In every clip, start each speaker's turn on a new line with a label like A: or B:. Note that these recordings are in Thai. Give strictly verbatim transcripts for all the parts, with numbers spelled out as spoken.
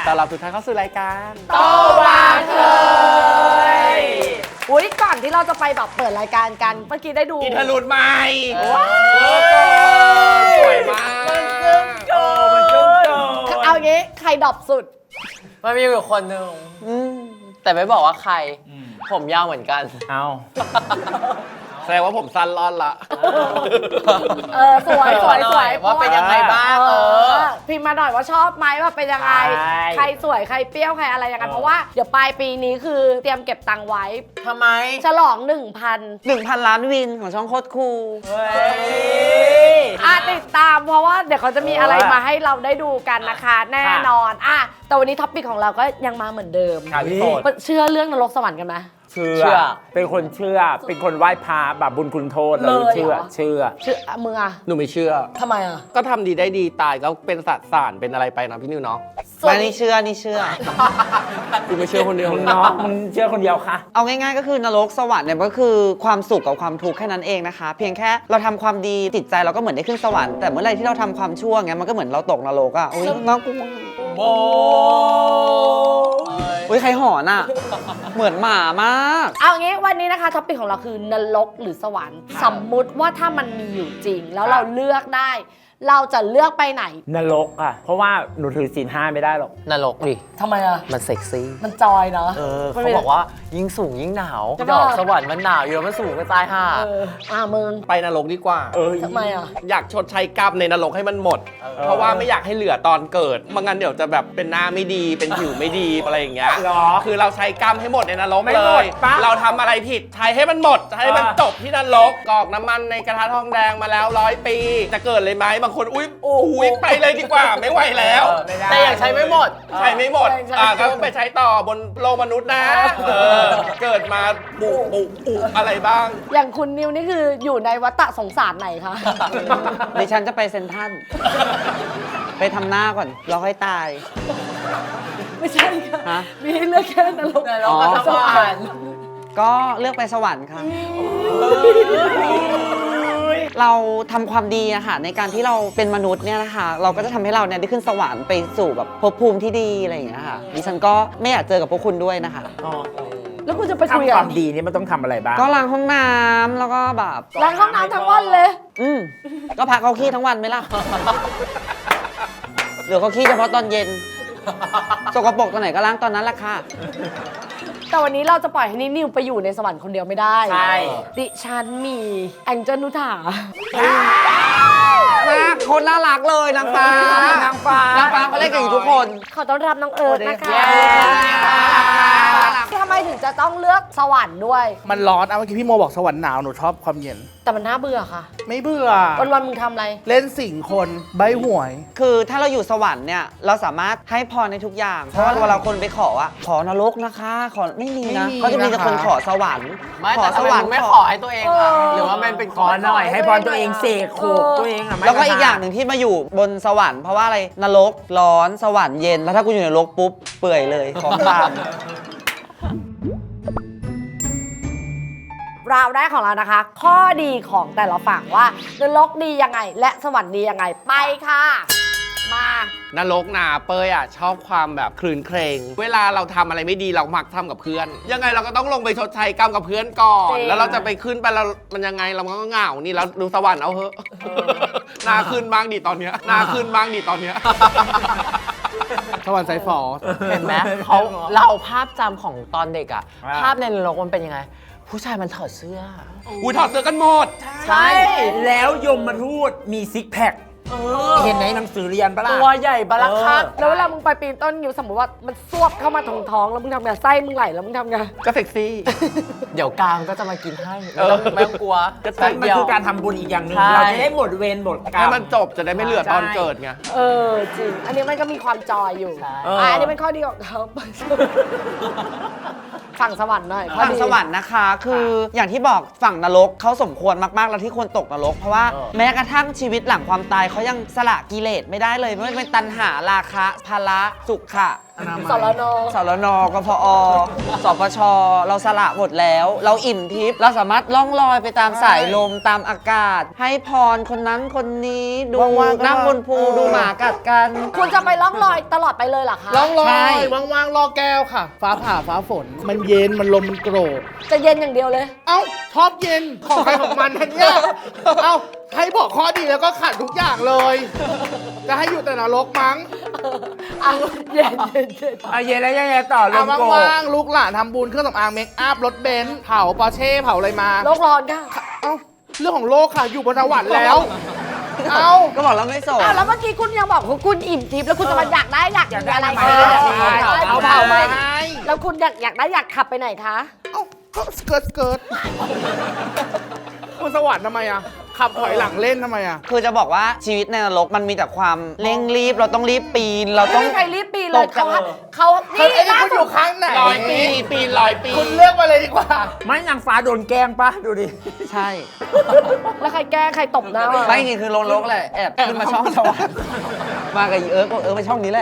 A: ต้อนรับทุกท่านเข้าสู่รายการ
B: โตวาเธยอุ้ยก่อนที่เราจะไปแบบเปิดรายการกันเมื่อกี้ได้ดู
A: อินเทอร์ลูดใหม่สวยมากมันจึ้งโจมันจึ้งโจ
B: เอางี้ใครดรอปสุด
C: มันมีอยู่คนหนึ่งแต่ไม่บอกว่าใครผมยาวเหมือนกัน
A: เอาแสดงว่าผมสั้นรอดละ
B: เออสวยสวยสวย
C: ว่าเป็นยังไงบ้างเออ
B: พิมพ์มาหน่อยว่าชอบไหมว่าเป็นยังไงใครสวยใครเปรี้ยวใครอะไรยังไงเพราะว่าเดี๋ยวปลายปีนี้คือเตรียมเก็บตังค์ไว้
C: ทำไม
B: ฉลองหนึ่งพัน
C: หนึ่งพันล้านวินของช่องโคตรคูล
B: อ่ะติดตามเพราะว่าเดี๋ยวเขาจะมีอะไรมาให้เราได้ดูกันนะคะแน่นอนอ่ะแต่วันนี้ท็อปปิกของเราก็ยังมาเหมือนเดิมเชื่อเรื่องนรกสวรรค์กันไหม
A: เชื่อเป็นคนเชื่อเป็นคนไหว้พระแบบบุญคุณโทษเลยเชื่อเชื่อ
B: เชื่อมึงอ่ะ
A: หนูไม่เชื่อ
B: ทำไมอ่ะ
A: ก็ทำดีได้ดีตายก็เป็นสัตว์สารเป็นอะไรไปนะพี่นิวเนาะ
C: ไม่นี่เชื่อนี่เชื่อ
A: กูไม่เชื่อคนเดียว
D: เนาะมึงเชื่อคนเดียวค่ะ
C: เอาง่ายๆก็คือนรกสวรรค์เนี่ยก็คือความสุขกับความทุกข์แค่นั้นเองนะคะเพียงแค่เราทำความดีจิตใจเราก็เหมือนได้ขึ้นสวรรค์แต่เมื่อไรที่เราทำความชั่วเงี้ยมันก็เหมือนเราตกนรกอ่ะโอ้ยน่ากลัว
A: โบ
C: เฮ้ยใครหอนอ่ะเหมือนหมามาก
B: เอางี้วันนี้นะคะท็อปปิกของเราคือนรกหรือสวรรค์สมมุติว่าถ้ามันมีอยู่จริงแล้วเราเลือกได้เราจะเลือกไปไหน
D: นรกอ่ะเพราะว่าหนูถือศีลห้าไม่ได้หรอก
C: นรกดิ
B: ทำไมอ่ะ
C: มันเซ็กซี่
B: มันจอยเนาะ
C: เออเขาบอกว่ายิ่งสูงยิ่งหนาวดอกสวรรค์มันหนาวอยู่มันสูงก็ตายห่า
B: อ่ามึง
A: ไปนรกดีกว่า
D: เออ
B: ทำไมอ่ะ
A: อยากชดใช้กรรมในนรกให้มันหมดเพราะว่าไม่อยากให้เหลือตอนเกิดไม่งั้นเดี๋ยวจะแบบเป็นหน้าไม่ดีเป็นผิวไม่ดีอะไรอย่างเงี้ยคือเราใช้กรรมให้หมดในนรกเลยเราทำอะไรผิดใช้ให้มันหมดใช้ให้มันจบที่นรกกรอกน้ำมันในกระทะทองแดงมาแล้วร้อยปีจะเกิดเลยไหมบางคนอุ้ยอุ้ยไปเลยดีกว่าไม่ไหวแล้ว
C: แต่อยากใช้ไม่หมด
A: ใช้ไม่หมดอ่าก็ไปใช้ต่อบนโลกมนุษย์นะเกิดมาปุปุปุอะไรบ้าง
B: อย่างคุณนิวนี่คืออยู่ในวัฏสงสารไหนคะ
C: ดิฉันจะไปเซ็นทรัลไปทำหน้าก่อนรอให้ตาย
B: ไม่ใช่ค่ะมีให้เลือกแค่นรกกับสวรรค์
C: ก็เลือกไปสวรรค์ค่ะเราทำความดีอะค่ะในการที่เราเป็นมนุษย์เนี่ยนะคะเราก็จะทำให้เราเนี่ยได้ขึ้นสวรรค์ไปสู่แบบภพภูมิที่ดีอะไรอย่างเงี้ยค่ะดิฉันก็ไม่อยากเจอกับพวกคุณด้วยนะคะ
B: แล้วคุณจะไปคุย
D: ทำความดีนี่มันต้องทำอะไรบ้าง
C: ก็ล้างห้องน้ำแล้วก็แบบ
B: ล้างห้องน้ำทั้งวันเลย
C: อืมก็พักเขาขี้ทั้งวันไหมล่ะเหลือเขาขี้เฉพาะตอนเย็นสกปรกตอนไหนก็ล้างตอนนั้นแหละค่ะ
B: แต่วันนี้เราจะปล่อยให้นิวไปอยู่ในสวรรค์คนเดียวไม่ได้
D: ใช่
B: ดิฉันมีแองเจิลนุถา
C: คนน่ารักเลยนางฟ้านางฟ้านางฟ้าเขาเล่นกับอยู่ทุกคน
B: ขอต้อนรับน้องเอิร์ธนะคะทำไมถึงจะต้องเลือกสวรรค์ด้วย
E: มันร้อนอ่ะเมื่อกี้พี่โมบอกสวรรค์หนาวหนูชอบความเย็น
B: แต่มันน่าเบื่อค่ะ
E: ไม่เบื่อ
B: วันวันมึงทำอะไร
E: เล่นสิ่งคนใบหวย
C: คือถ้าเราอยู่สวรรค์เนี่ยเราสามารถให้พรในทุกอย่างเพราะว่าเวลาคนไปขออะขอนรกนะคะขอไม่มีนะเขาจะมีแต่คนขอสวรรค์ขอสวรรค์ไม่ขอให้ตัวเองอะหรือว่ามันเป็น
D: ขอหน่อยให้พรตัวเองเสกโขกตัวเองอะ
C: แล้วก็อีกอย่างหนึ่งที่มาอยู่บนสวรรค์เพราะว่าอะไรนรกร้อนสวรรค์เย็นแล้วถ้ากูอยู่ในนรกปุ๊บเปื่อยเลยของทาน
B: ราวแรกของเรานะคะข้อดีของแต่ละฝั่งว่านรกดียังไงและสวรรค์ดียังไงไปค่ะมาน
A: รกนาเปยอ่ะชอบความแบบคลื่นเครงเวลาเราทำอะไรไม่ดีเรามักทำกับเพื่อนยังไงเราก็ต้องลงไปชดใช้กรรมกับเพื่อนก่อนแล้วเราจะไปขึ้นไปเรามันยังไงเราก็เหงานี่แล้วดูสวรรค์เอาเถอะนาขึ้นบ้างดิตอนเนี้ยนาขึ้นบ้างดิตอนเนี้ย
E: สวรรค์ไซฟอร์
C: เห็นไหมเขาเราภาพจำของตอนเด็กอ่ะภาพในนรกมันเป็นยังไงผู้ชายมันถอดเสื้อ
A: อุ้ยถอดเสื้อกันหมด
D: ใช่แล้วยมมาทูตมีซิกแพคเห็นในหนังสือเรียนปะล่ะ
C: ตัวใหญ่บลักคัก
B: แล้วเวลามึงไปปีนต้นอยู่สมมติว่ามันซวบเข้ามาท้องท้องแล้วมึงทำไงไส้มึงไหลแล้วมึงทำไง
A: ก็เซ็กซี่
C: เดี๋ยวกลางก็จะมากินให้ไม่ต้องกลัว
D: มันคือการทำบุญอีกอย่างหนึ่งเราจะได้หมดเวรหมดกรรม
A: ให้มันจบจะได้ไม่เหลือตอนเกิดไง
B: เออจริงอันนี้มันก็มีความจอยอยู่อันนี้เป็นข้อดีของเขาฝั่งสวรรค์หน่อย
C: ฝั่งสวรรค์นะคะคืออย่างที่บอกฝั่งนรกเขาสมควรมากๆแล้วที่ควรตกนรกเพราะว่าแม้กระทั่งชีวิตหลังความตายเขายังสละกิเลสไม่ได้เลยไม่ว่าเป็นตัณหาราคะภาระสุขะ
B: สรน
C: สรนกพอสปชเราสละหมดแล้ว เราอิ่มทิพย์เราสามารถล่องลอยไปตามสายลมตามอากาศ ให้พรคนนั้นคนนี้ดู
E: ว่างๆก็
C: นั่งบนภูดูหมากัดกัน
B: คุณจะไปล่องลอยตลอดไปเลยเหรอคะ
E: ล่องลอ
C: ใช่
E: ยว่างๆรอแก้วค่ะ ฟ้าผ่าฟ้าฝน มันเย็นมันลมมันโกรก
B: จะเย็นอย่างเดียวเลย
E: เอ้าชอบเย็นของใครของมันนะเนี่ยเอ้าให้บอกข้อดีแล้วก็ขัดทุกอย่างเลย จะให้อยู่แต่นรกมั้ง
B: อ่ะเย็นเย็นเย็น
D: เอาเย็นแล้วยังไงต่อล
E: เอา
D: มโกรธ
E: ว่างๆลูกหลานทำบุญเครื่องสำอางเมคอัพรถเบนซ์เผาปอร์เช่เผาอะไรมา
B: โลกร้อนค่ะ
E: เอ้าเรื่องของโลกค่ะอยู่บนสวรรค์แล้ว เอ้า
C: ก็บอกแล้วไม่โสด
B: อ้าวแล้วเมื่อกี้คุณยังบอกว่าคุณอิ่มทิพย์แล้วคุณจะมาอยากได้อยากมีอะไร
D: อยาก
B: คะ
D: ได้
B: อยาก
D: เอา
B: เผา
D: เผา
B: ไหม
E: ให้
B: แล้วคุณอยากอยากได้อยากขับไปไหนคะ
E: เอ้าก็สเกิร์ตสเกิร์ตบนสวรรค์ทำไมอ่ะขับถอยหลังเล่นทำไมอ่ะ
C: คือจะบอกว่าชีวิตในนรกมันมีแต่ความเร่งรีบ เราต้องรีบปีน เรา
B: ไม่
C: ต้อง
B: มีใครรีบปีนเลย
C: ตกจาก
B: เขาเขา
E: เฮ้ย
B: นี่
E: ไอ้นี่
B: ล่า
E: คุณอ
B: สุด
E: ยู่ข้างไหน
A: ร้อยปีปีนร้อยปี
E: คุณเลือกมาเลยดีกว่า
D: ไม่นางฟ้าโดนแกล้งปะดูดิ
C: ใช่
B: แล้วใครแก้ใครตบหน้า
C: ไม่จริงคือลงนรกแหละแอบขึ้นมาช่องสวรรค์มากับอีเอิร์กบอกเออมาช่องนี้แหละ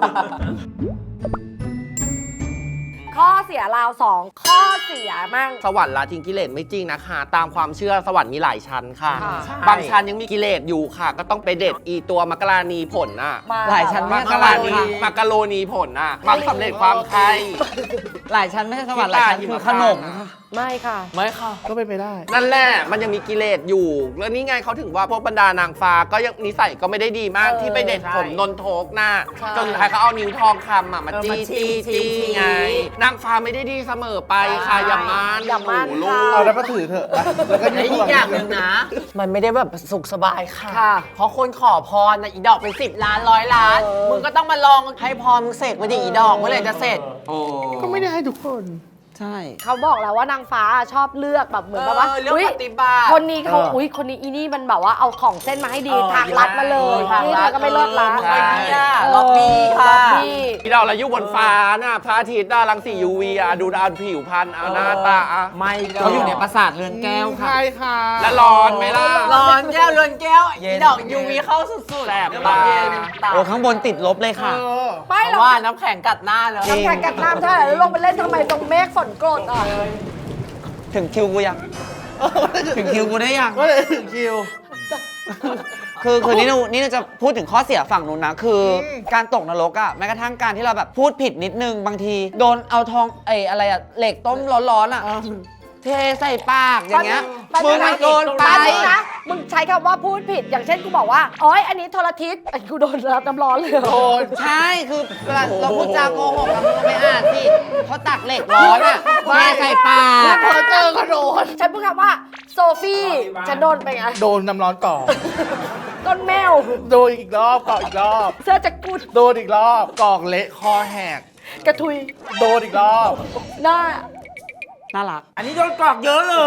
B: ข้อเสียราวสองข้อเสียมั่ง
A: สวรรค์ละทิ้งกิเลสไม่จริงนะคะ ตามความเชื่อสวรรค์มีหลายชั้นค่ะ
B: ค่ะ
A: บางชั้นยังมีกิเลสอยู่ค่ะ ก็ต้องไปเด็ดอีตัวมักกะลานีผลน่ะ
B: มา
C: หลายชั้น
A: มั
C: มาก
A: กะลานีมักกะโรนีผลน่ะบางสำเร็จความใคร
C: หลายชั้นไม่ใช่สวรรค์หลายชั้นคือขนม
B: ไม่ค่ะ
A: ไม่ค่ะ
E: ก็เป็นไปได้
A: นั่นแหละ มันยังมีกิเลสอยู่ แล้วนี่ไงเขาถึงว่าพวกบรรดานางฟ้าก็ยังนิสัยก็ไม่ได้ดีมาก
B: เออ
A: ที่ไปเด็ด
D: ใช่
A: ผมนนโทกหน้า
B: ใช่
A: จนสุดท้ายเขาเอานิ้วทองคำอ่ะมา
D: เออ
A: จี้
D: มาชี้
A: จี้
D: ชี้
A: จี้ไง นางฟ้าไม่ได้ดีเสมอไปค่ะอย่ามัน
B: อย่ามั่น
A: หลู
B: ค่ะ
A: ก
E: เอาแล้วก็ถือเถอะนะแล้วก็
C: และอีกอย่างหนึ่งนะ มันไม่ได้แบบสุขสบายค่ะ
B: ค่ะ
C: เพราะคนขอพรนะอีดอกเป็นสิบล้านร้อยล้าน
B: เออ
C: มึงก็ต้องมาลองให้พรมึงเสร็จมาดิอีดอกเมื่อไหร่จะเสร็จ
A: โอ้
E: ก็ไม่ได้ให้ทุกคน
C: ใช่
B: เขาบอกแล้วว่านางฟ้าชอบเลือกแบบเหมือนแบบว่า
C: เออเลือก
B: อุ๊ย
C: ปฏิบัติ
B: คนนี้เขา
E: เอออุ๊
B: อุ้ยคนนี้อีนี่มันแบบว่าเอาของเส้นมาให้ดี
D: เออ
B: ทางลัดมาเลย
C: ทาง
B: นี่
C: ลั
B: เธ
C: ด
B: อก็ไม่เลิศละ
C: เออ
A: ใช่
C: ล็อบบี้ค่ะ
B: ล็อบบี้
A: พี่ดาวเราอยู่บนฟ้าน่ะพระอาทิตย์น่ะรังสี ยู วี อ่ะดูดาวผิวพรรณเอาหน้าตาอ่ะ
D: ไม่
C: เขาอยู่ในปราสาทเรือนแก้วค่ะ
E: ใช่ค่ะ
A: แล้วร้อนไหมล่ะ
C: ร้อนแก้วเรือนแก้วอีดอกยูวีเข้าสุดๆ
A: แสบ
C: เดี๋ยว
A: ตา
C: เย็นโอ้ข้างบนติดลบเลย
E: เอ
C: ค่ะ
E: อ
B: ไม่
C: เพ
B: หรอก
C: ราะว่าน้ำแข็งกัดหน้าเลย
B: น้ำแข็งกัดน้ำใช่แล้วลงไปเล่นทำไมตรงเมฆฝนโกรธอ่ะ
C: ถึงคิวกูยัง ถึงคิวกูได้ยัง
E: ก็เลยถึงคิว
C: คือคือนี่หนูนี่หนูจะพูดถึงข้อเสียฝั่งนู้นนะ คืออ
E: ม
C: การตกนรกอะแม้กระทั่งการที่เราแบบพูดผิดนิดนึงบางที โดนเอาทองไอ้อะไรอะเหล็กต้มร้อนๆอะเทใส่ปากอย่างเงี้ยมึงมันโดนไป
B: แป๊บนึงนะ มึงใช้คำว่าพูดผิด อย่างเช่นกูบอกว่าโอ๊ยอันนี้โทรทิศไอ้กูโดนรับน้ำร้อนเลยเหรอ
E: โดน
C: ใช่คือเวลาเราพูดจาโกหกเราไม่อ่านสิเขาตักเหล็กร้อนอะเทใส่ปาก
E: พอเจอก็โดน
B: ฉันพูดคำว่าโซฟี่ฉันโดนไปไง
E: โดนน้ำร้อนก่อ
B: ต้นแมว
E: โดนอีกรอบก่ออีกรอบ
B: เสื้อจักกุด
E: โดนอีกรอบกอกเละคอแหก
B: กระทุย
E: โดนอีกรอบ
B: หน้า
C: น่ารัก
D: อันนี้โดนกรอกเยอะเลย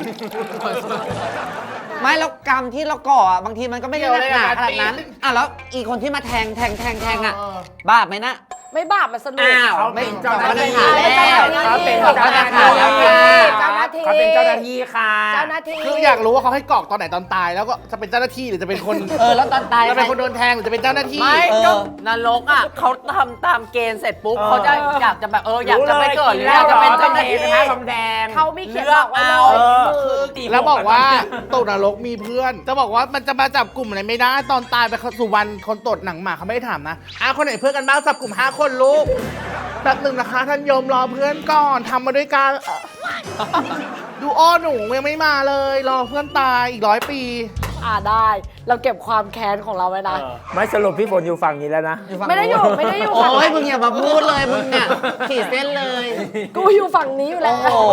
C: ไม่แล้วกรรมที่เราก่ออ่ะบางทีมันก็ไม่ได้หนักหนาขนาดนั้น อ่ะแล้วอีกคนที่มาแทงแทงแทงแทงอ่ะ
E: เออ
C: บาปไหมนะ
B: ไม่บาปมันสนุก
C: อ้าว
D: เขาเป็นเจ้าหน้าที่
C: เขาเป็นเจ้าหน้าที่
B: เจ้าหน้าที่
D: เขาเป็นเจ้าหน้าที่ค่ะ
B: เจ้าหน้าที่
E: คืออยากรู้ว่าเขาให้กรอกตอนไหนตอนตาย แล้วก็จะเป็นเจ้าหน้าที่หรือจะเป็นคน
C: เออแล้วตอนตาย
E: จะเป็นคนโดนแทงหรือจะเป็นเจ้าหน้าที่
C: ไม่
F: เออ
C: ก็นรกอ่ะเขาทำตามเกณฑ์เสร็จปุ๊บเขาจะอยากจะแบบเอออยากจะไปเกิดหรืออยากจะเป็นเจ้าหน้าที่
D: เป็นทองแดง
B: เขามีเขียนบอกไว้เล
C: เลือก
B: ย
C: เอา
B: มือ
E: แล้วบอกว่าตกนรกมีเพื่อน จะบอกว่ามันจะมาจับกลุ่มอะไรไม่ได้ตอนตายไปสุวรรณคนตดหนังหมาเขาไม่ได้ถามนะอ่ะคนไหนเพื่อนกันบ้างจับกลุ่มห้าคนลูกแป๊บหนึ่งนะคะท่านโยมรอเพื่อนก่อนทำมาด้วยกัน ดูอ้อหนูยังไม่มาเลย รอเพื่อนตายอีกร้อยปี
B: อ่าได้ เราเก็บความแค้นของเราไว้นะ
D: ไม่สรุปพี่ฝนอยู่ฝั่งนี้แล้วนะ
B: ไม่ได้อยู่ไม่ได้อยู่
C: โอ้
B: ฝั่ง
C: ย
B: นั้น
C: มึงอย่ามาพูดเลยมึงเนี่ยขีดเส้นเลย
B: กูอยู่ฝั่งนี้อยู่แล้ว
C: โอ้โห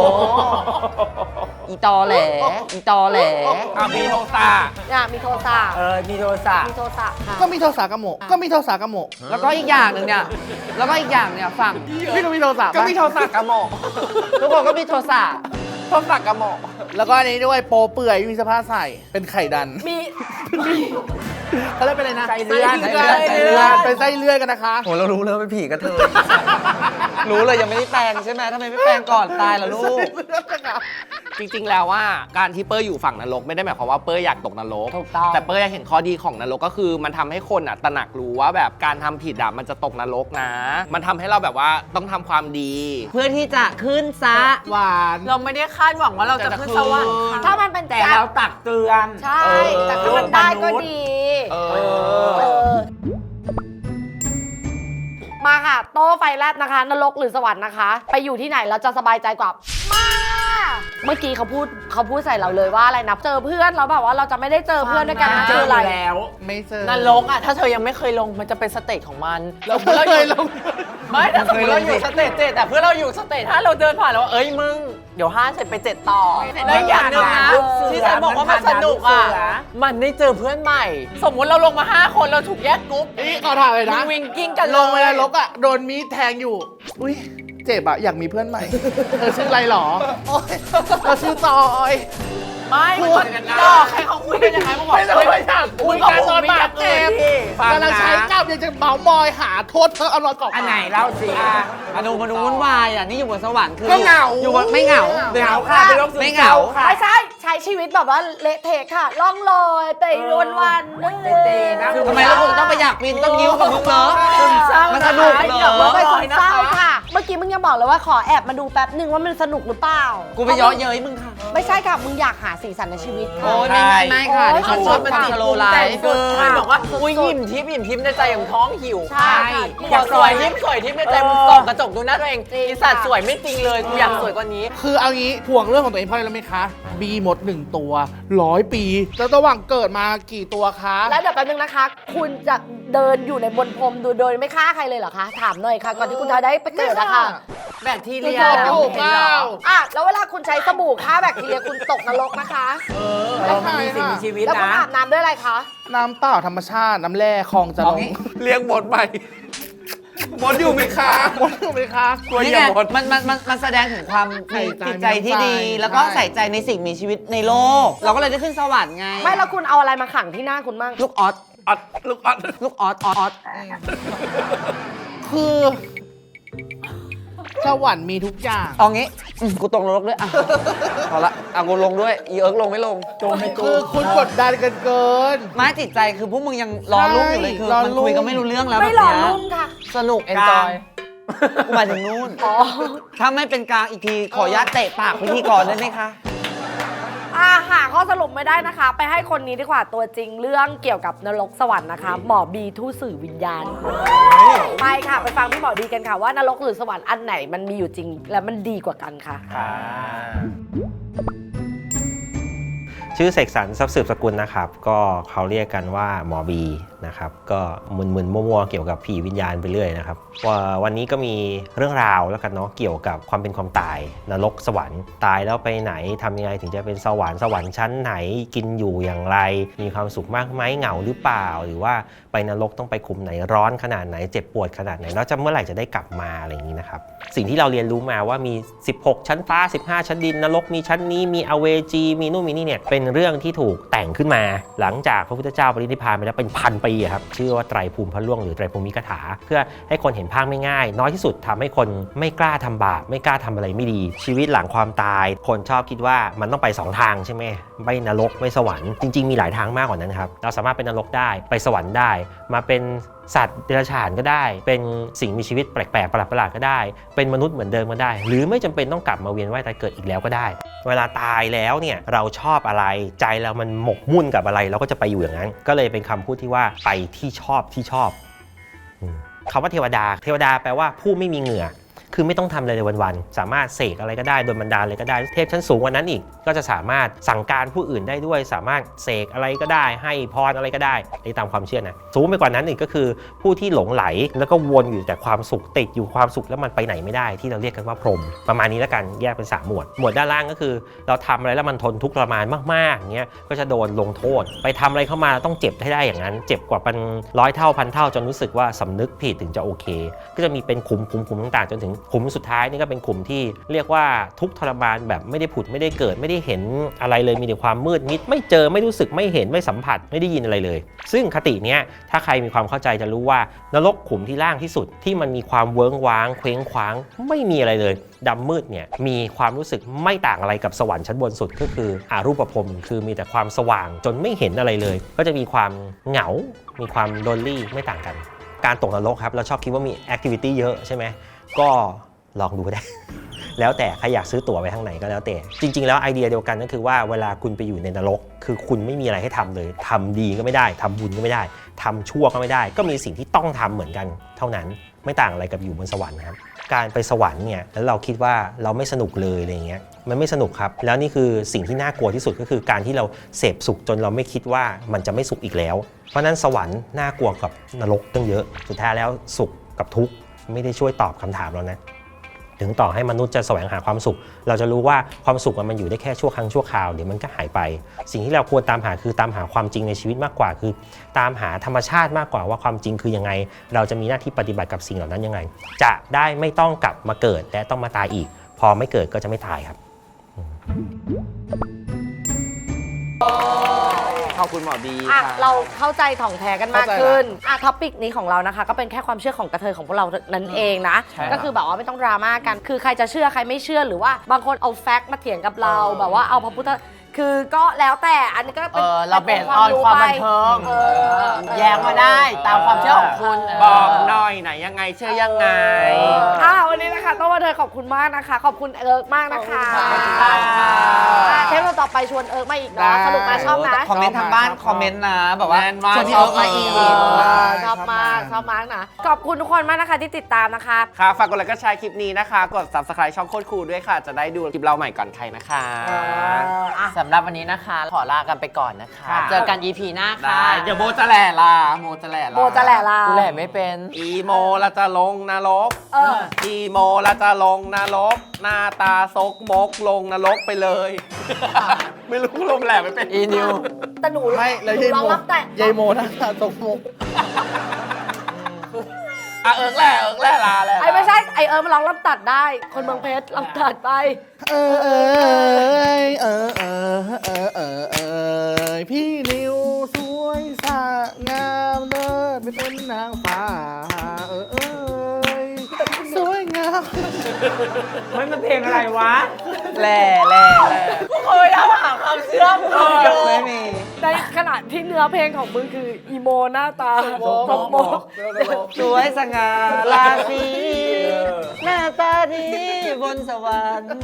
C: อีตอแหลอีตอแหล
A: อามีโทสะ
B: เนี่ยมีโทรศัพท์
D: เออ มีโทรศัพท์
B: มีโทรศัพท์ค่ะ
E: ก็มีโทรศัพท์กระโหมกก็มีโทรศัพท์กระโหมก
C: แล้วก็อีกอย่างหนึ่งเนี่ยแล้วก็อีกอย่างเนี่ยฝั่ง
E: พี่ก็มีโทรศัพท์
A: ก็
E: ปะ
A: มีโทสะกระหมอก
C: ทุกคนก็มีโทรศัพท์
A: โทสะกระหมอก
E: แล้วก็อันนี้ด้วยโปเปื่อยมีเสภาใส่เป็นไข่ดัน
B: มี
E: เขาเรียกเป็นอะไรนะ
D: ไส้เลื่อน
E: ไส้เลื่อน
C: ไส้เลื่อน
E: เป็นไส้เลื่อนกันนะคะ
C: โหเรารู้เลยว่าเป็นผีกระเทย รู้เลยยังไม่ได้แปลงใช่ไหมทำไมไม่แปลงก่อนตายล่ะลูก
E: ไส้เลื่อนนะคะ
A: จริงๆแล้วว่าการที่เป้ยอยู่ฝั่งนรกไม่ได้หมายความว่าเป้ยอยากตกนรก
B: ถูกต้อง
A: แต่เป้ยเห็นข้อดีของนรกก็คือมันทำให้คนอ่ะตระหนักรู้ว่าแบบการทำผิดอ่ะมันจะตกนรกนะ มันทำให้เราแบบว่าต้องทำความดี
C: เพื่อที่จะขึ้นซะ
E: หวาน
C: เราไม่ได้คาดหวังว่าเราจะขึ้นสวรรค์ค่ะ
B: ถ้ามันเป็น
D: แต่เราตักเตือน
B: ใช่
A: เออ
B: แต่ถ้ามันได้ก็ดี
A: เอ
B: เอ
A: อ
B: อ มาค่ะ โต้ไฟแลบนะคะ นรกหรือสวรรค์นะคะ ไปอยู่ที่ไหนเราจะสบายใจกว่า มา เมื่อกี้เขาพูดเขาพูดใส่เราเลยว่าอะไรนะ เจอเพื่อนแล้วแบบว่าเราจะไม่ได้เจอเพื่อนด้วยกันนะ
D: เจ
B: คือ
D: อ
B: อะไร
D: แล้ว
E: ไม่เจอน
C: รกอ่ะถ้าเธอยังไม่เคยลงมันจะเป็นสเตจของมัน
E: เราเคยลง
C: ไม่ถ้าสมมติเราอยู่สเตจเจ็ดแต่เพื่อนเราอยู่สเตจถ้าเราเดินผ่านแล้วว่าเอ้ยมึงเดี๋ยวห้าเสร็จไปเจ็ดต่อแล้วอย่างหนึงนะ
D: เหมือนผ่าน
C: ที่ฉันบอกว่ามันสนุกอ่ะ
D: เหมือนผ่านด่านลูกเสือ
C: มันได้เจอเพื่อนใหม่ สมมุติเราลงมาห้าคนเราถูกแยกกรุ๊ป
E: นี่ขอถามเลย
C: มึ
E: นะ
C: งวิงกิ้งกัน
E: ลงไปนรกอ่ะโดนมีดแทงอยู่ อุ้ยเจ็บอ่ะอยากมีเพื่อนใหม่ เธอชื่ออะไรหรอโอ๊ยเธอชื่อจอย
C: ไม่มันหลอกให้เขาคุยกันยังไงมึงบอก
E: ไม่ต้องไปถามคุยกันตอนบาดเจ็บ
A: ฟังนะ
E: กำลังใช้กล้ามยังจะเมาส์มอยหาโทษเธอเอารอยกรอบ
D: อันไหนเล่าสิอ่ะ
C: มาดูมาดูวุ่นวายอ่ะนี่อยู่บนสวรรค์คือ
E: ก็เหงา
C: อยู่บนไม่เหงา
D: เหงาค่ะเป็นโรคซึม
C: ไม่เห
D: เศ
C: งา
D: ร้าค่ะ
B: ไม่ใช่ใช้ชีวิตแบบว่าเละเทะค่ะ ล่องลอยเตะวันวันๆนึก
D: เตะๆนะ
C: ทำไมเราถึงต้องไปอยากบินต้องยิ้วกับมึงเหรอ
B: ซึมเศร้า
C: มันสนุกเหรอ
B: ไม่ซึมเศร้าค่ะ เมื่อกี้มึงยังบอกเลยว่าขอแอบมาดูแป๊บนึงว่ามันสนุกหรือเปล่า
C: กูไปเย้อเย้ยมึงค่ะ
B: ไม่ใช่ค่ะ มึงอยากหาสีสันในชีวิตค่ะ
C: โอ้ยไม่ไม่ไม่ค่ะ
B: โอ้ย
C: ดิฉันชอบมันติดโลไลฟ์
B: เกิน
C: บอกว่าอุ้ยยิ้มทิพย์ยิ้มทิพย์ในใจของท้องหิว
B: ใช่ค่ะ
C: อยากสวยยิ้มสวยทิพย์ในใจมึงส่องกระจกดูหน้าตัวเอง
B: จริง
C: อีสัตว์สวยไม่จริงเลยกูอยากสวยกว่านี้
E: คือเอางี้ห่วงเรื่องของตัวเองเพราะอะไรรู้ไหมคะ บีหมดหนึ่งตัวร้อยปี แล้วระหว่างเกิดมากี่ตัวคะ
B: แล้วเดี๋ยวแป๊บนึงนะคะ คุณจะเดินอยู่ในบนพรมดูโดยไม่ฆ่าใครเลยเหรอคะ ถามหน่อยค่ะ ก่อนที่คุณจะได้ไปเกิดนะคะ
C: แบคทีเรีย
E: เกิดอยู่เปล่า
B: อ่ะแล้วเวลาคุณใช้สบู่ฆ่าแบคทีเรียคุณตกนรกนะคะ
D: เรามันมีสิ่งมีชีวิต
B: แล้วคุณ
D: นะ
B: อาบน้ำด้วยอะไรคะ
E: น้ำเปล่าธรรมชาติ น้ำแร่คลองจะลง
A: เรียกหมดไปหมดอยู่ไหมคะ
E: หมดถูกไหมคะ
A: กลัว
C: นี่
A: อย่า
C: ไง
A: หมด
C: มันมันมันมันแสดงถึงความ
E: ใส่ใจ
C: จิตใจที่ดี
E: ใช่
C: แล้วก็ใส่ใจในสิ่งมีชีวิตในโลก เราก็เลยได้ขึ้นสวรรค์ไง
B: ไม่แล้วคุณเอาอะไรมาขังที่หน้าคุณมั่ง
C: ลูกออส
A: อัดลูกอัด
C: ลูกออสออส
E: คือสวรรค์มีทุกอย่าง
C: เอางี้อืมกูตกนรกด้วยอ่ะพอละเอากูลงด้วยอีเอิร์กลงไม่ลง
D: โจมไม่โจ
E: คือ
D: ม
E: คุณกดดันกันเกิน
C: ไม้จิตใจคือพวกมึงยังรอรุ่งอยู่เลยคือ
E: รอ
C: มัน
E: รุ่ง
C: คุยกันไม่รู้เรื่องแล้ว
B: ไม่
C: แบบ
B: หล่อ
C: เนี้ย
B: ลุ่มค่ะ
C: สนุกเอนจอยกูหมายถึงนู่น
B: อ๋อ
C: ถ้าไม่เป็นกลางอีกทีขออนุญาตเตะปากพิธีกรได้ไหมคะ
B: อ่าหาข้อสรุปไม่ได้นะคะ ไปให้คนนี้ดีกว่าตัวจริงเรื่องเกี่ยวกับนรกสวรรค์นะคะ หมอบีทูตสื่อวิญญาณ ไปค่ะ ไปฟังพี่หมอบีกันค่ะว่านรกหรือสวรรค์อันไหนมันมีอยู่จริง และมันดีกว่ากันค่ะ
F: ชื่อเสกสรรทรัพย์สืบสกุลนะครับ ก็เขาเรียกกันว่าหมอบีนะครับก็มึนๆมั่วๆเกี่ยวกับผีวิญญาณไปเรื่อยนะครับว่าวันนี้ก็มีเรื่องราวแล้วกันเนาะเกี่ยวกับความเป็นความตายนรกสวรรค์ตายแล้วไปไหนทำยังไงถึงจะเป็นสวรรค์สวรรค์ชั้นไหนกินอยู่อย่างไร มีความสุขมากไหมเหงาหรือเปล่า หรือว่าไปนรกต้องไปขุมไหนร้อนขนาดไหนเจ็บปวดขนาดไหนแล้วจะเมื่อไหร่จะได้กลับมาอะไรอย่างนี้นะครับสิ่งที่เราเรียนรู้มาว่ามีสิบหกชั้นฟ้าสิบห้าชั้นดินนรกมีชั้นนี้มีอเวจีมีนู่นมีนี่เนี่ยเป็นเรื่องที่ถูกแต่งขึ้นมาหลังจากพระพุทธเจ้าปรินิพพานไปแล้วเป็นพันปีครับชื่อว่าไตรภูมิพระล่วงหรือไตรภูมิกถาเพื่อให้คนเห็นภาพไม่ง่ายน้อยที่สุดทำให้คนไม่กล้าทำบาปไม่กล้าทำอะไรไม่ดีชีวิตหลังความตายคนชอบคิดว่ามันต้องไปสองทางใช่ไหมไม่นรกไม่สวรรค์จริงๆมีหลายทางมากกว่านั้นครับเราสามารถเป็นนรกได้ไปสวรรค์ได้มาเป็นสัตว์เดรัจฉานก็ได้เป็นสิ่งมีชีวิตแปลกๆประหลาดๆก็ได้เป็นมนุษย์เหมือนเดิมก็ได้หรือไม่จำเป็นต้องกลับมาเวียนว่ายตายเกิดอีกแล้วก็ได้เวลาตายแล้วเนี่ยเราชอบอะไรใจเรามันหมกมุ่นกับอะไรเราก็จะไปอยู่อย่างนั้นก็เลยเป็นคำพูดที่ว่าไปที่ชอบที่ชอบคำว่าเทวดาเทวดาแปลว่าผู้ไม่มีเหงื่อคือไม่ต้องทำอะไรเลยวันๆสามารถเสกอะไรก็ได้โดนบันดาลอะไรก็ได้เทพชั้นสูงกว่านั้นอีกก็จะสามารถสั่งการผู้อื่นได้ด้วยสามารถเสกอะไรก็ได้ให้พรอะไรก็ได้ในตามความเชื่อนะสูงไปกว่านั้นอีกก็คือผู้ที่หลงไหลแล้วก็วนอยู่แต่ความสุขติดอยู่ความสุขแล้วมันไปไหนไม่ได้ที่เราเรียกกันว่าพรหมประมาณนี้แล้วกันแยกเป็นสามหมวดหมวดด้านล่างก็คือเราทำอะไรแล้วมันทนทุกข์ทรมานมากๆเงี้ยก็จะโดนลงโทษไปทำอะไรเข้ามาต้องเจ็บให้ได้อย่างนั้นเจ็บกว่าเป็นร้อยเท่าพันเท่าจนรู้สึกว่าสำนึกผิดถึงจะโอเคก็จะมีเป็นคุมคุมคุมต่างๆจนถึงขุมสุดท้ายนี่ก็เป็นขุมที่เรียกว่าทุกข์ทรมานแบบไม่ได้ผุดไม่ได้เกิดไม่ได้เห็นอะไรเลยมีแต่ความมืดมิดไม่เจอไม่รู้สึกไม่เห็นไม่สัมผัสไม่ได้ยินอะไรเลยซึ่งคติเนี้ยถ้าใครมีความเข้าใจจะรู้ว่านรกขุมที่ล่างที่สุดที่มันมีความเวิ้งว้างเคว้งคว้างไม่มีอะไรเลยดำมืดเนี่ยมีความรู้สึกไม่ต่างอะไรกับสวรรค์ชั้นบนสุดก็คืออารูปภพคือมีแต่ความสว่างจนไม่เห็นอะไรเลยก็จะมีความเหงามีความโดนลี่ไม่ต่างกันการตกนรกครับเราชอบคิดว่ามีแอคทิวิตี้เยอะใช่ไหมก็ลองดูก็ได้ แล้วแต่ใครอยากซื้อตั๋วไปทางไหนก็แล้วแต่จริงๆแล้วไอเดียเดียวกันก็คือว่าเวลาคุณไปอยู่ในนรกคือคุณไม่มีอะไรให้ทำเลยทำดีก็ไม่ได้ทำบุญก็ไม่ได้ทำชั่วก็ไม่ได้ก็มีสิ่งที่ต้องทำเหมือนกันเท่านั้นไม่ต่างอะไรกับอยู่บนสวรรค์นะครับการไปสวรรค์เนี่ยแล้วเราคิดว่าเราไม่สนุกเลยอะไรเงี้ยมันไม่สนุกครับแล้วนี่คือสิ่งที่น่ากลัวที่สุดก็คือการที่เราเสพสุขจนเราไม่คิดว่ามันจะไม่สุขอีกแล้วเพราะนั้นสวรรค์น่ากลัวกับนรกตั้งเยอะสุดท้ายแล้วสุขกับทุกข์ไม่ได้ช่วยตอบคำถามเรานะถึงต่อให้มนุษย์จะแสวงหาความสุขเราจะรู้ว่าความสุขมันอยู่ได้แค่ชั่วครั้งชั่วคราวเดี๋ยวมันก็หายไปสิ่งที่เราควรตามหาคือตามหาความจริงในชีวิตมากกว่าคือตามหาธรรมชาติมากกว่าว่าความจริงคือยังไงเราจะมีหน้าที่ปฏิบัติกับสิ่งเหล่านั้นยังไงจะได้ไม่ต้องกลับมาเกิดและต้องมาตายอีกพอไม่เกิดก็จะไม่ตายครับ
A: ขอบคุณหมอบี
B: อ่ะ
A: ค่ะ
B: เราเข้าใจถ่องแท้กันมาก
E: เข้าใจละ
B: ขึ้นอ่ะท็อปิกนี้ของเรานะคะก็เป็นแค่ความเชื่อของกระเทยของพวกเรานั่นเองนะ
A: ใช่ครับ
B: ก็คือแบบว่าไม่ต้องดราม่ากันคือใครจะเชื่อใครไม่เชื่อหรือว่าบางคนเอาแฟกต์มาเถียงกับเราแบบว่าเอาพระพุทธคือก็แล้วแต่อันนี้ก็
C: เอ
B: เป็น
C: อเราเบสออนความบันเทิง
B: เออ
C: แยกมาได้ตามความเชื่อของคุณ
A: บอกหน่อยไหนยังไงเชื่อยังไง
B: อ่ะวันนี้นะคะต้องมาเธอขอบคุณมากนะคะ ขอบคุณเอิร์กมากนะคะ
C: ขอบคุณค่ะ
B: อ่ะเทปเราต่อไปชวนเอิร์กมาอีกเนาะสนุกมาชอบนะ
C: คอมเมนต์ทางบ้านคอมเมนต์นะแบบว่า
A: แมนมาก
C: ชวนพี่เอิร์กมาอีก
B: เออช
E: ช
B: อ
E: อ
B: บบ มาม
E: าก ก
B: ชอบมากนะขอบคุณทุกคนมากนะคะที่ติดตามนะคะ
A: ค่ะฝากกดไลค์ก็แชร์คลิปนี้นะคะ กด ซับสไครบ์ ช่องโคตรคูลด้วยค่ะ จะได้ดูคลิปเราใหม่ก่อนใครนะคะ
C: สำหรับวันนี้นะคะขอลากันไปก่อนนะคะ
A: ค่ะ
C: เจอกัน อี พี หน้าค่ะ
A: ได้เดี๋ยวโมจะแหล่ลาโมจะแหล่ลา
B: โมจะแหล่ลา
C: กูแหละไม่เป็น
A: อีโมเราจะลงนรก
B: เออ
A: อีโมเราจะลงนรก หน้าตาซกมกลงนรกไปเลย ไม่รู้ลมแหล่ไม่เป็น
C: อีนิว
B: แต่หนู
E: ไม่แล้ว
B: หนู
E: ยาย
B: ร้อง
E: โม
B: รับแต่
E: ยายโมนะคะตกมุก
A: อ่ะเอิร์กแหล่เอิร์กแหล่ลาแหล่
B: ไอ้ไม่ใช่ไอเอิร์กมันร้องรับตัดได้ คนเมืองเพชรรับตัดไป
E: เออเออเออเออเออเออเออพี่นิวสวยสะงามเลิศไม่เป็นนางฟ้าเออเออสวยงาม
D: มันมันเพลงอะไรวะ
C: แหล่แหล่แหล่กูพยายามหาความเชื่อมโยงไม่มี
B: ในขณะที่เนื้อเพลงของมึงคืออีโมหน้าตาตกโมก
C: สวยสง่าราศีหน้าตาดีบนสวรรค์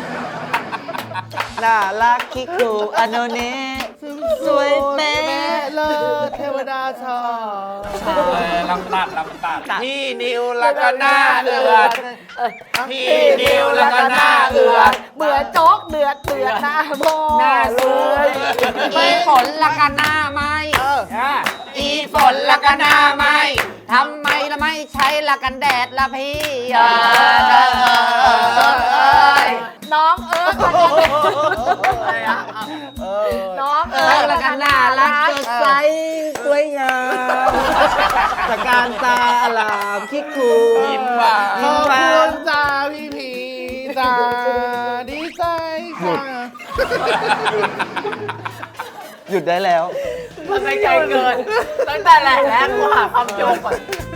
C: น่ารักคิกคูอโนเนะสวยแม่
E: เลิศเทวดาชอบ
A: เออลำตัดลำตัดพี่นิวแล้วก็หน้าเอือดพี่นิวแล้วก็หน้าเอือด
B: เหมือนโจ๊กเดือดเดือดหน้าโม
C: หน้าสวย
B: ไม่ฝนละกันหน้าไหม
C: อีฝนละกันหน้าไหมทำไมละไม่ใช้ละกันแดดละพี่เอ้ย
B: น้องเอิร์กละกันน้องเอิร์กละกันน่ารัก
C: สดใสสวยงามตะการตาอลามคิกคู
A: ยิ้มหวาน
E: ขอบคุณจ้าพี่พีจ้าดีใจค่ะ
C: หยุดได้แล้ว
B: มันไม่ใจเกิน
C: ตั้งแต่แรกแล้วกูหาความโยงก่อน